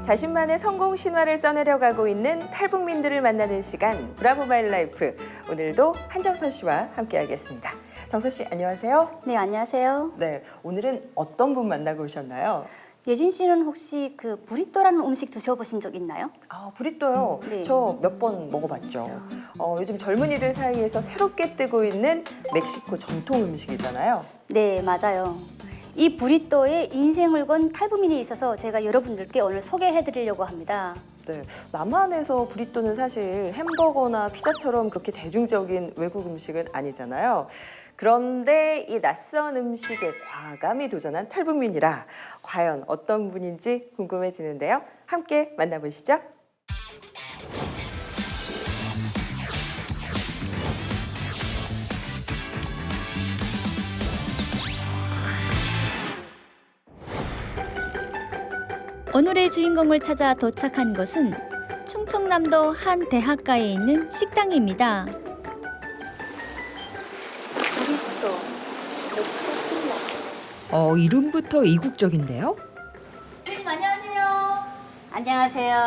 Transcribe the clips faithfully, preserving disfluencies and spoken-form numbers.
자신만의 성공 신화를 써내려가고 있는 탈북민들을 만나는 시간 브라보 마이 라이프. 오늘도 한정선 씨와 함께하겠습니다. 정선 씨 안녕하세요. 네, 안녕하세요. 네, 오늘은 어떤 분 만나고 오셨나요? 예진 씨는 혹시 그 브리또라는 음식 드셔보신 적 있나요? 아, 브리또요? 네. 저 몇 번 먹어봤죠. 어, 요즘 젊은이들 사이에서 새롭게 뜨고 있는 멕시코 전통 음식이잖아요. 네, 맞아요. 이 브리또에 인생을 건 탈북민이 있어서 제가 여러분들께 오늘 소개해드리려고 합니다. 네, 남한에서 브리또는 사실 햄버거나 피자처럼 그렇게 대중적인 외국 음식은 아니잖아요. 그런데 이 낯선 음식에 과감히 도전한 탈북민이라 과연 어떤 분인지 궁금해지는데요. 함께 만나보시죠. 오늘의 주인공을 찾아 도착한 곳은 충청남도 한 대학가에 있는 식당입니다. 브리또, 멕시코 스틸라. 어, 이름부터 이국적인데요? 선생님 안녕하세요. 안녕하세요.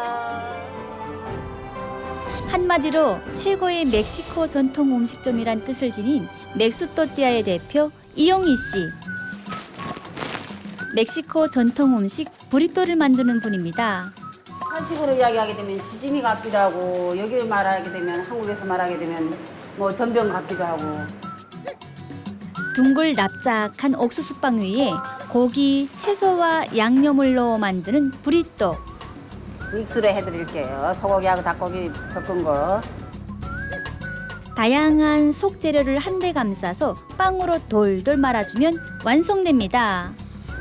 한마디로 최고의 멕시코 전통 음식점이란 뜻을 지닌 멕스토띠아의 대표 이용희 씨. 멕시코 전통 음식 브리또를 만드는 분입니다. 한식으로 이야기하게 되면 지짐이 같기도 하고 여기를 말하게 되면 한국에서 말하게 되면 뭐 전병 같기도 하고. 둥글 납작한 옥수수빵 위에 고기, 채소와 양념을 넣어 만드는 브리또. 믹스로 해드릴게요. 소고기하고 닭고기 섞은 거. 다양한 속 재료를 한데 감싸서 빵으로 돌돌 말아주면 완성됩니다.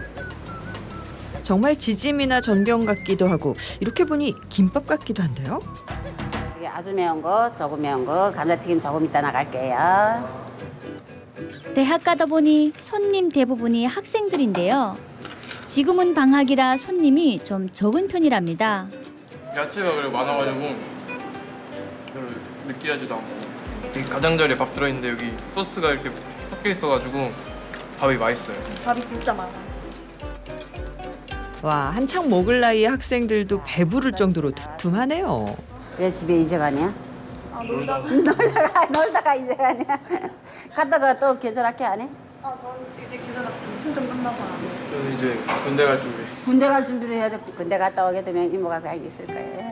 정말 지짐이나 전병 같기도 하고 이렇게 보니 김밥 같기도 한데요? 이게 아주 매운 거, 조금 매운 거, 감자튀김 조금 이따 나갈게요. 대학 가다 보니 손님 대부분이 학생들인데요. 지금은 방학이라 손님이 좀 적은 편이랍니다. 야채가 그래 많아가지고 별로 느끼하지도 않고 이 가장자리에 밥 들어있는데 여기 소스가 이렇게 섞여 있어가지고 밥이 맛있어요. 밥이 진짜 많아. 와, 한창 먹을 나이의 학생들도 배부를 정도로 두툼하네요. 왜 집에 이제 가냐? 아, 놀다가? 놀다가 놀다가 이제 가냐? 갔다가 또 계절학교 안 해? 아, 저는 이제 계절 신청 끝나서 안 해요. 저는 이제 군대 갈 준비. 군대 갈 준비를 해야 돼. 군대 갔다 오게 되면 이모가 그냥 있을 거예요.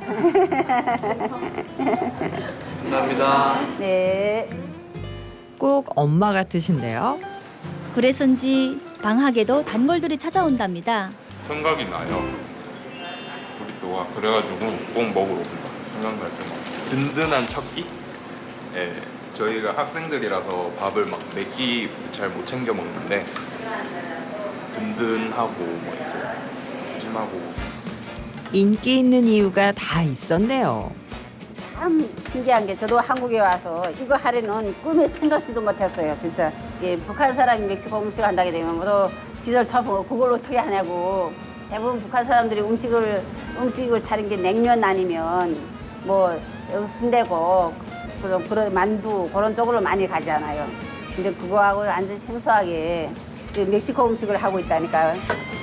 감사합니다. 네. 꼭 엄마 같으신데요? 그래서인지 방학에도 단골들이 찾아온답니다. 생각이 나요. 브리또가 그래가지고 꼭 먹으러 온다. 생각날 때마다. 든든한 첫 끼? 예, 저희가 학생들이라서 밥을 막 몇 끼 잘 못 챙겨 먹는데 든든하고 뭐 이제 푸짐하고. 인기 있는 이유가 다 있었네요. 참 신기한 게 저도 한국에 와서 이거 하려는 꿈에 생각지도 못했어요. 진짜 예, 북한 사람이 멕시코 음식 한다게 되면 뭐로 기절 쳐보고 그걸 어떻게 하냐고. 대부분 북한 사람들이 음식을 음식을 차린 게 냉면 아니면 뭐 순대고 그런 그런 만두 그런 쪽으로 많이 가잖아요. 근데 그거하고 완전 생소하게 그 멕시코 음식을 하고 있다니까요.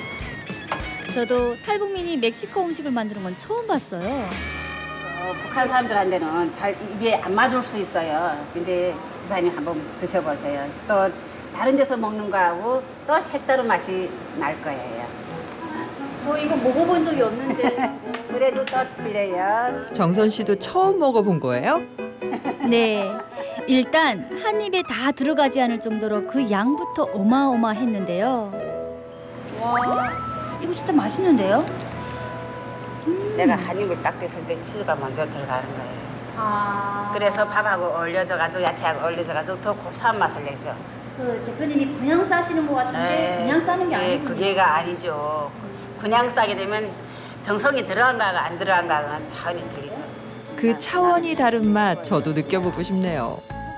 저도 탈북민이 멕시코 음식을 만드는 건 처음 봤어요. 어, 북한 사람들한테는 잘 입에 안 맞을 수 있어요. 근데 기사님 한번 드셔보세요. 또 다른 데서 먹는 거하고 또 색다른 맛이 날 거예요. 저 이거 먹어본 적이 없는데. 그래도 또 틀려요. 정선 씨도 처음 먹어본 거예요? 네. 일단 한 입에 다 들어가지 않을 정도로 그 양부터 어마어마했는데요. 와, 이거 진짜 맛있는데요? 내가 한 입을 딱 댔을 때 치즈가 먼저 들어가는 거예요. 아. 그래서 밥하고 어울려져가지고 야채하고 어울려져가지고 더 고소한 맛을 내죠. 그 대표님이 그냥 싸시는 것 같은데 그냥 싸는 게 예, 아니군요. 그게가 아니죠. 그냥 싸게 되면 정성이 들어간가가 안 들어간가는 차원이 틀리죠. 그 차원이 다른 맛 저도 느껴보고 싶네요.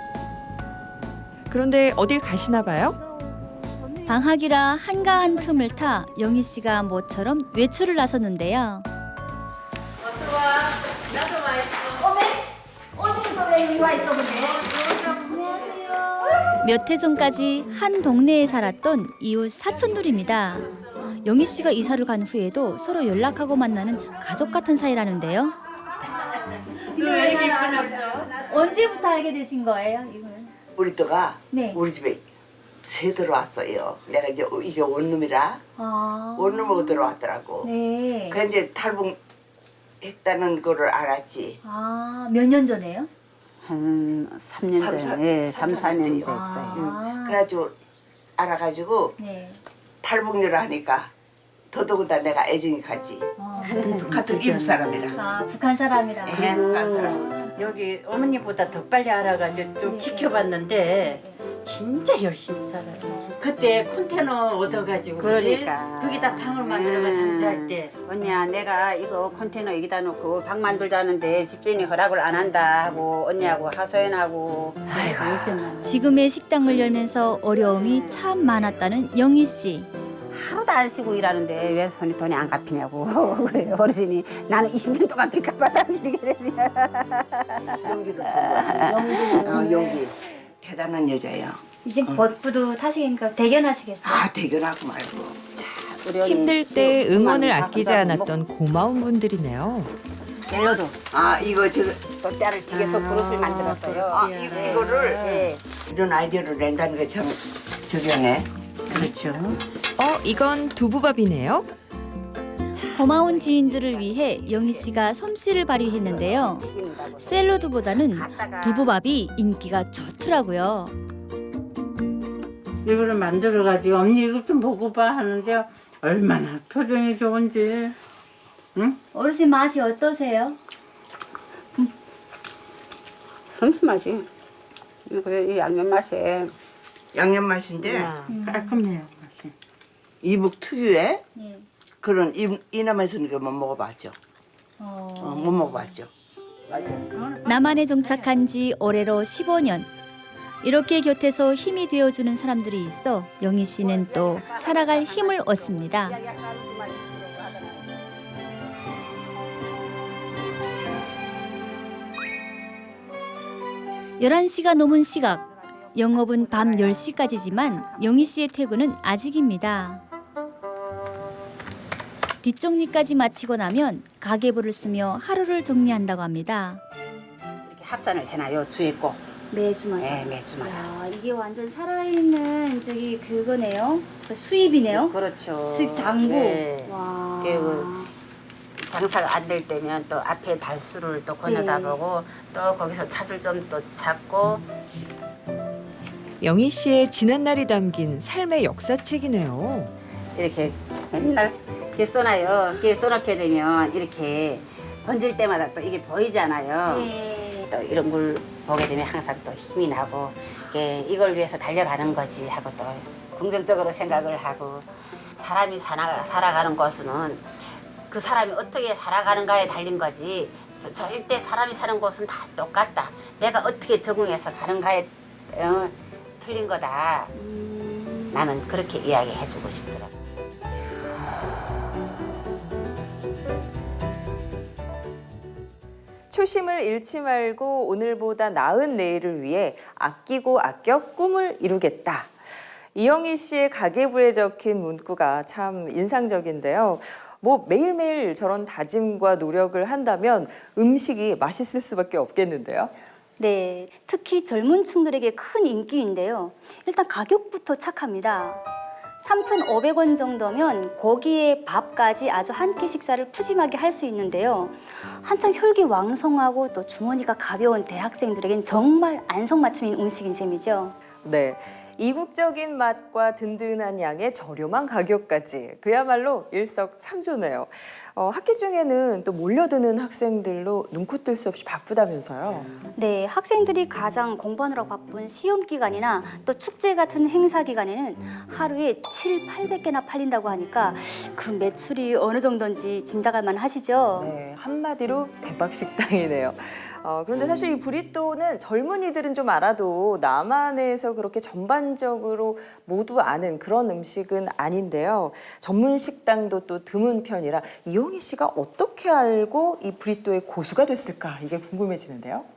그런데 어딜 가시나 봐요? 방학이라 한가한 틈을 타 영희 씨가 모처럼 외출을 나섰는데요. 몇 해 전까지 한 동네에 살았던 이웃 사촌들입니다. 영희 씨가 이사를 간 후에도 서로 연락하고 만나는 가족 같은 사이라는데요. 언제부터 알게 되신 거예요, 이거는? 우리 또가 네. 우리 집에 새 들어왔어요. 내가 이제 이게 원룸이라 아. 원룸으로 들어왔더라고. 네. 그 이제 탈북했다는 거를 알았지. 아, 몇 년 전에요? 한 삼 년 삼, 사- 전에, 삼, 삼, 사 년 년 됐어요. 아. 그래가지고 알아가지고 네. 탈북료를 하니까 더더군다나 내가 애정이 가지. 어. 같은 이북 사람이라. 아, 북한 사람이라. 예, 북한 사람. 여기 어머니보다 더 빨리 알아가지고 좀 네. 지켜봤는데 진짜 열심히 살아요. 그때 컨테이너 얻어가지고 그러니까. 그지? 거기다 방을 만들어가 장사할 때 언니야, 내가 이거 컨테이너 여기다 놓고 방 만들자는데 집주인이 허락을 안 한다 하고 언니하고 하소연하고. 아이고. 지금의 식당을 열면서 어려움이 참 많았다는 영희 씨. 하루도 안 쉬고 일하는데 왜 손이 돈이 안 갚이냐고. 그래요. 어르신이 나는 이십 년 동안 빚값 받아 이렇게 되면. 용기를 준 거야. 어, 용기. 대단한 여자예요. 이제 버프도 타시니까 대견하시겠어요? 아 대견하고 말고. 우리 언니 힘들 때 또 응원을 그만 아끼지 다 않았던 고마운 분들이네요. 샐러드 아 이거 저 또 딸을 튀겨서 그릇을 만들었어요. 아, 이, 네. 이거를 네. 이런 아이디어를 낸다는 게 참 저기하네. 그렇죠. 어, 이건 두부밥이네요. 고마운 지인들을 위해 영희 씨가 솜씨를 발휘했는데요. 튀긴다고. 샐러드보다는 갖다가 두부밥이 인기가 좋더라고요. 이거를 만들어가지고 언니 이거 좀 먹어봐 하는데 얼마나 표정이 좋은지. 응? 어르신 맛이 어떠세요? 섬수 맛이 이거 이 양념 맛이 양념 맛인데 깔끔해요 맛이. 이북 특유의 네. 그런 이, 이남에서는 못 먹어봤죠. 어... 어, 못 먹어봤죠. 남한에 정착한 지 올해로 십오 년. 이렇게 곁에서 힘이 되어주는 사람들이 있어 영희 씨는 또 살아갈 힘을 얻습니다. 열한 시가 넘은 시각. 영업은 밤 열 시까지지만 영희 씨의 퇴근은 아직입니다. 뒷정리까지 마치고 나면 가계부를 쓰며 하루를 정리한다고 합니다. 이렇게 합산을 해놔요 주에 꼭. 매주마다. 네, 매주마다. 야, 이게 완전 살아있는 저기 그거네요. 그 수입이네요. 그렇죠. 수입 장부. 네. 와. 그리고 장사가 안 될 때면 또 앞에 달수를 또 건너다 네. 보고 또 거기서 찻을 좀 또 찾고. 영희 씨의 지난날이 담긴 삶의 역사책이네요. 이렇게 맨날 이렇게 써놔요. 이렇게 써놓게 되면 이렇게 번질 때마다 또 이게 보이잖아요. 네. 또 이런 걸 보게 되면 항상 또 힘이 나고 이게 이걸 위해서 달려가는 거지 하고 또 긍정적으로 생각을 하고 사람이 살아, 살아가는 곳은 그 사람이 어떻게 살아가는가에 달린 거지 저- 절대 사람이 사는 곳은 다 똑같다. 내가 어떻게 적응해서 가는가에 어, 틀린 거다. 나는 그렇게 이야기해주고 싶더라고. 초심을 잃지 말고 오늘보다 나은 내일을 위해 아끼고 아껴 꿈을 이루겠다. 이영희 씨의 가계부에 적힌 문구가 참 인상적인데요. 뭐 매일매일 저런 다짐과 노력을 한다면 음식이 맛있을 수밖에 없겠는데요. 네, 특히 젊은 층들에게 큰 인기인데요. 일단 가격부터 착합니다. 삼천오백 원 정도면 고기에 밥까지 아주 한 끼 식사를 푸짐하게 할 수 있는데요. 한창 혈기왕성하고 또 주머니가 가벼운 대학생들에겐 정말 안성맞춤인 음식인 셈이죠. 네, 이국적인 맛과 든든한 양의 저렴한 가격까지 그야말로 일석삼조네요. 어, 학기 중에는 또 몰려드는 학생들로 눈코 뜰 수 없이 바쁘다면서요. 네, 학생들이 가장 공부하느라 바쁜 시험 기간이나 또 축제 같은 행사 기간에는 하루에 칠팔백 개나 팔린다고 하니까 그 매출이 어느 정도인지 짐작할 만하시죠? 네, 한마디로 대박 식당이네요. 어, 그런데 사실 이 브리또는 젊은이들은 좀 알아도 남한에서 그렇게 전반적으로 모두 아는 그런 음식은 아닌데요. 전문 식당도 또 드문 편이라 이영희 씨가 어떻게 알고 이 브리또의 고수가 됐을까 이게 궁금해지는데요.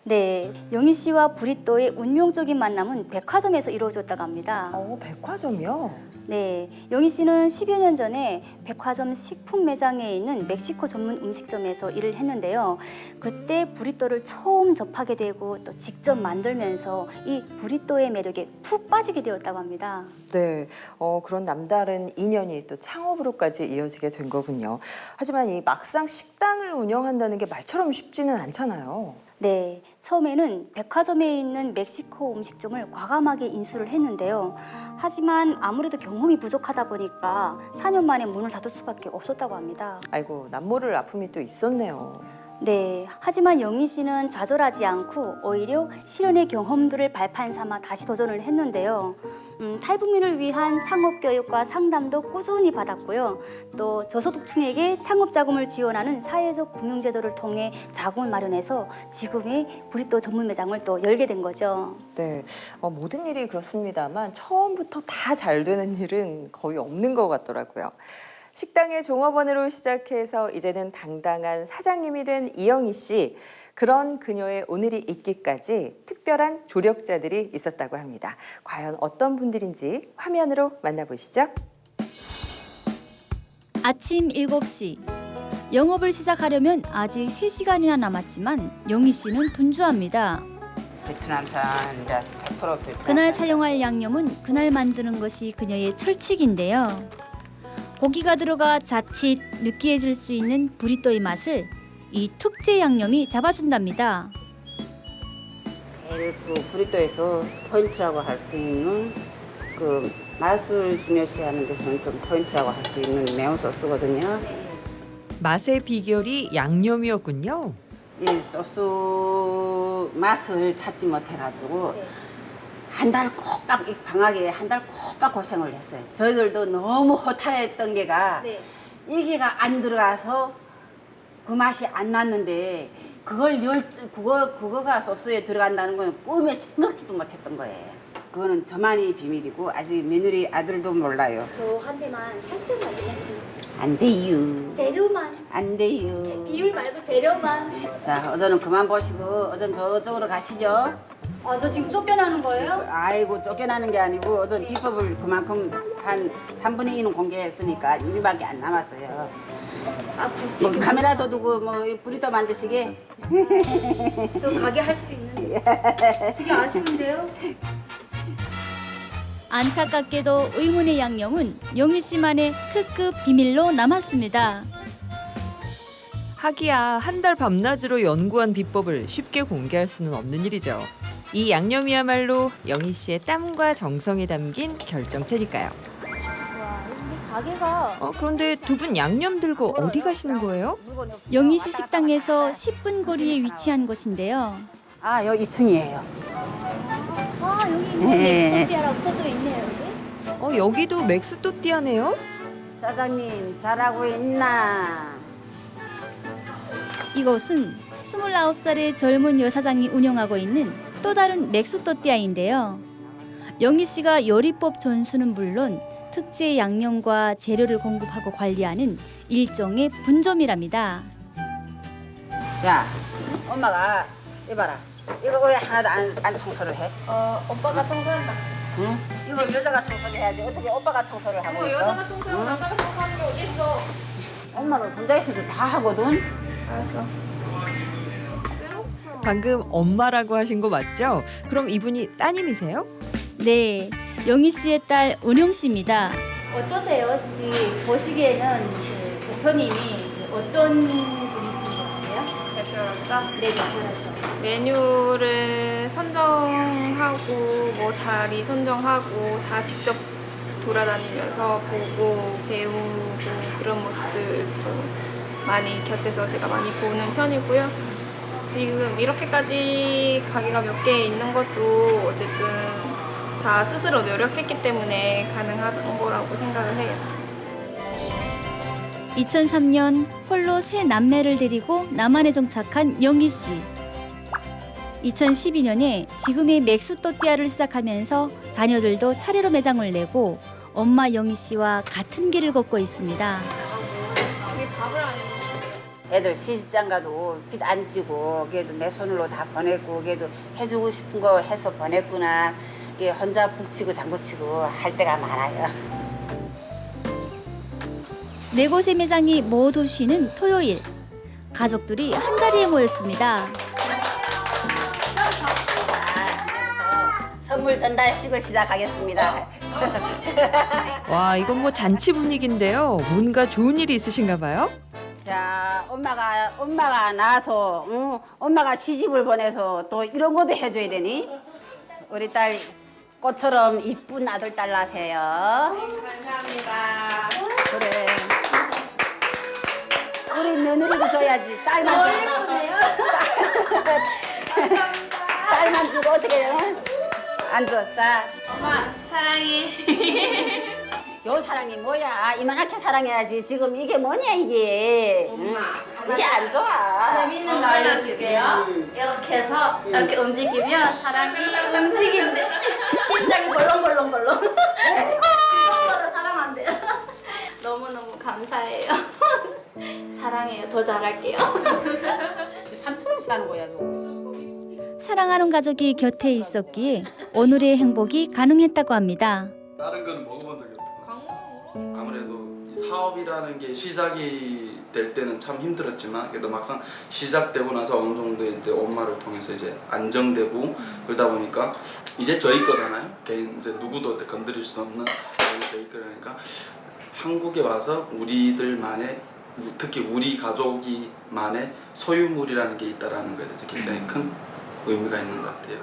네, 영희 씨와 브리또의 운명적인 만남은 백화점에서 이루어졌다고 합니다. 어, 백화점이요? 네, 영희 씨는 십여 년 전에 백화점 식품 매장에 있는 멕시코 전문 음식점에서 일을 했는데요. 그때 브리또를 처음 접하게 되고 또 직접 만들면서 이 브리또의 매력에 푹 빠지게 되었다고 합니다. 네, 어, 그런 남다른 인연이 또 창업으로까지 이어지게 된 거군요. 하지만 이 막상 식당을 운영한다는 게 말처럼 쉽지는 않잖아요. 네, 처음에는 백화점에 있는 멕시코 음식점을 과감하게 인수를 했는데요. 하지만 아무래도 경험이 부족하다 보니까 사 년 만에 문을 닫을 수밖에 없었다고 합니다. 아이고, 남모를 아픔이 또 있었네요. 네, 하지만 영희 씨는 좌절하지 않고 오히려 실현의 경험들을 발판 삼아 다시 도전을 했는데요. 음, 탈북민을 위한 창업 교육과 상담도 꾸준히 받았고요. 또 저소득층에게 창업 자금을 지원하는 사회적 금융제도를 통해 자금을 마련해서 지금의 브리또 전문 매장을 또 열게 된 거죠. 네, 어, 모든 일이 그렇습니다만 처음부터 다 잘 되는 일은 거의 없는 것 같더라고요. 식당의 종업원으로 시작해서 이제는 당당한 사장님이 된 이영희 씨. 그런 그녀의 오늘이 있기까지 특별한 조력자들이 있었다고 합니다. 과연 어떤 분들인지 화면으로 만나보시죠. 아침 일곱 시. 영업을 시작하려면 아직 세 시간이나 남았지만 영희 씨는 분주합니다. 베트남산이라서 백 퍼센트 베트남산. 그날 사용할 양념은 그날 만드는 것이 그녀의 철칙인데요. 고기가 들어가 자칫 느끼해질 수 있는 브리또의 맛을 이 특제 양념이 잡아준답니다. 제일 그 브리또에서 포인트라고 할 수 있는 그 맛을 중요시하는 데서는 좀 포인트라고 할 수 있는 매운 소스거든요. 맛의 비결이 양념이었군요. 이 소스 맛을 찾지 못해가지고 한 달 꼬박 이 방학에 한 달 꼬박 고생을 했어요. 저희들도 너무 허탈했던 게가 네. 이게가 안 들어가서 그 맛이 안 났는데 그걸 열 그거 그거가 소스에 들어간다는 건 꿈에 생각지도 못했던 거예요. 그거는 저만의 비밀이고 아직 며느리 아들도 몰라요. 저한테만 살짝만 얘기해주세요. 안 돼요. 재료만, 안 돼요. 비율 말고 재료만. 자, 어제는 그만 보시고 어전 저쪽으로 가시죠. 아, 저 지금 쫓겨나는 거예요? 아이고 쫓겨나는 게 아니고 어전 비법을 그만큼 한 삼분의 이는 공개했으니까 일밖에 안 남았어요. 아, 굳이 뭐 카메라도 두고 뭐 브리또 만드시게. 저 가게 할 수도 있는데. 되게 아쉬운데요? 안타깝게도 의문의 양념은 영희 씨만의 특급 비밀로 남았습니다. 하기야 한 달 밤낮으로 연구한 비법을 쉽게 공개할 수는 없는 일이죠. 이 양념이야말로 영희 씨의 땀과 정성이 담긴 결정체니까요. 와, 이 가게가 어, 그런데 두 분 양념 들고 어디 가시는 거예요? 영희 씨 식당에서 십 분 거리에 위치한 곳인데요. 아, 여 이 층이에요. 아, 여기 네. 엑스토피아라고 써져 있네요, 여기. 어, 여기도 맥스토띠아네요. 사장님 잘하고 있나? 이곳은 스물아홉 살의 젊은 여사장이 운영하고 있는 또 다른 맥스토띠아인데요. 영희 씨가 요리법 전수는 물론 특제 양념과 재료를 공급하고 관리하는 일종의 분점이랍니다. 야, 엄마가 이봐라. 이거 왜 하나도 안, 안 청소를 해? 어, 오빠가 청소한다. 응? 이걸 여자가 청소를 해야지. 어떻게 오빠가 청소를 하고 있어? 여자가 청소하고 응? 남자가 청소하는 게 어딨어? 엄마는 혼자 있어도 다 하거든. 알았어. 방금 엄마라고 하신 거 맞죠? 그럼 이분이 따님이세요? 네, 영희 씨의 딸 은영 씨입니다. 어떠세요? 지금 보시기에는 그 대표님이 어떤 분이신 것 같아요? 대표로서 네, 대표로서. 메뉴를 선정하고 뭐 자리 선정하고 다 직접 돌아다니면서 보고 배우고 그런 모습들도 많이 곁에서 제가 많이 보는 편이고요. 지금 이렇게까지 가게가 몇 개 있는 것도 어쨌든 다 스스로 노력했기 때문에 가능한 거라고 생각을 해요. 이천삼 년 홀로 세 남매를 데리고 남한에 정착한 영희 씨. 이천십이 년에 지금의 맥스토띠아를 시작하면서 자녀들도 차례로 매장을 내고 엄마 영희 씨와 같은 길을 걷고 있습니다. 이게 밥을 안 해주시네요. 애들 시집장 가도 빚 안 지고 걔도 내 손으로 다 보냈고 걔도 해주고 싶은 거 해서 보냈구나. 이게 혼자 북치고 장구치고 할 때가 많아요. 네 곳의 매장이 모두 쉬는 토요일. 가족들이 한자리에 모였습니다. 선물 전달식을 시작하겠습니다. 와, 이건 뭐 잔치 분위기인데요. 뭔가 좋은 일이 있으신가 봐요? 자, 엄마가 엄마가 나서, 응? 엄마가 시집을 보내서 또 이런 것도 해줘야 되니? 우리 딸 꽃처럼 이쁜 아들 딸 나세요. 감사합니다. 그래. 우리 며느리도 줘야지. 딸만 주고. 딸만 주고 어떻게 해요? 안 줘. 자, 엄마 사랑해. 요 사랑이 뭐야? 이만하게 사랑해야지. 지금 이게 뭐냐 이게? 응? 이게 안 좋아. 재밌는 거 알려줄게요. 이렇게 해서 이렇게 움직이면 사람이 움직인대. 심장이 벌렁벌렁벌렁. 그거보다 사랑한대요. 너무너무 감사해요. 사랑해요. 더 잘할게요. 삼천 원씩 하는 거야, 저거. 사랑하는 가족이 곁에 있었기에 오늘의 행복이 가능했다고 합니다. 다른 거는 먹어본 적이 없어서 아무래도 이 사업이라는 게 시작이 될 때는 참 힘들었지만 그래도 막상 시작되고 나서 어느 정도 이제 엄마를 통해서 이제 안정되고 그러다 보니까 이제 저희 거잖아요. 개인 이제 누구도 건드릴 수 없는 저희 거니까 한국에 와서 우리들만의 특히 우리 가족이만의 소유물이라는 게 있다라는 거에 대해서 굉장히 큰 의미가 있는 것 같아요.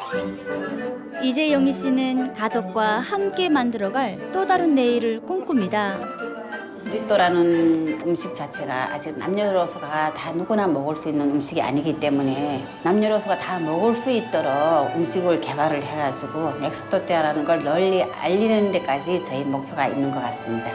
이제 영희 씨는 가족과 함께 만들어갈 또 다른 내일을 꿈꿉니다. 브리또라는 음식 자체가 아직 남녀노소가 다 누구나 먹을 수 있는 음식이 아니기 때문에 남녀노소가 다 먹을 수 있도록 음식을 개발을 해가지고 맥스토띠아라는 걸 널리 알리는 데까지 저희 목표가 있는 것 같습니다.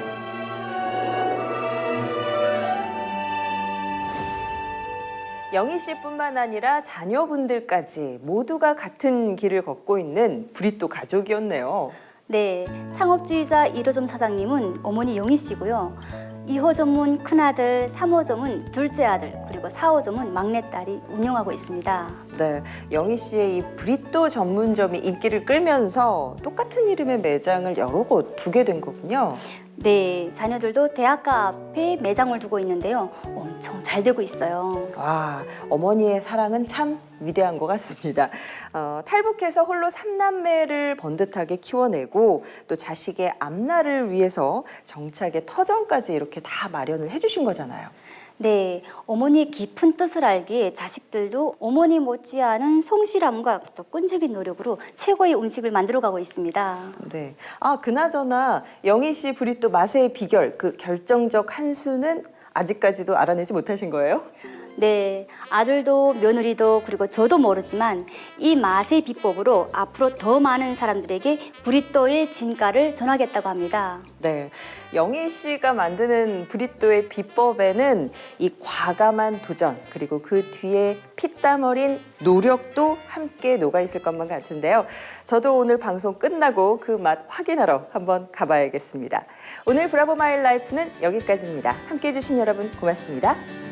영희 씨뿐만 아니라 자녀분들까지 모두가 같은 길을 걷고 있는 브리또 가족이었네요. 네, 창업주의자 일 호점 사장님은 어머니 영희 씨고요. 이 호점은 큰아들, 삼 호점은 둘째 아들, 그리고 사 호점은 막내딸이 운영하고 있습니다. 네, 영희 씨의 이 브리또 전문점이 인기를 끌면서 똑같은 이름의 매장을 여러 곳 두게 된 거군요. 네, 자녀들도 대학가 앞에 매장을 두고 있는데요. 엄청 잘 되고 있어요. 와, 어머니의 사랑은 참 위대한 것 같습니다. 어, 탈북해서 홀로 삼남매를 번듯하게 키워내고 또 자식의 앞날을 위해서 정착의 터전까지 이렇게 다 마련을 해주신 거잖아요. 네, 어머니의 깊은 뜻을 알기에 자식들도 어머니 못지않은 성실함과 또 끈질긴 노력으로 최고의 음식을 만들어가고 있습니다. 네. 아, 그나저나 영희 씨 브리또 맛의 비결, 그 결정적 한 수는 아직까지도 알아내지 못하신 거예요? 네, 아들도 며느리도 그리고 저도 모르지만 이 맛의 비법으로 앞으로 더 많은 사람들에게 브리또의 진가를 전하겠다고 합니다. 네, 영희 씨가 만드는 브리또의 비법에는 이 과감한 도전 그리고 그 뒤에 피땀 어린 노력도 함께 녹아 있을 것만 같은데요. 저도 오늘 방송 끝나고 그 맛 확인하러 한번 가봐야겠습니다. 오늘 브라보 마이 라이프는 여기까지입니다. 함께해 주신 여러분 고맙습니다.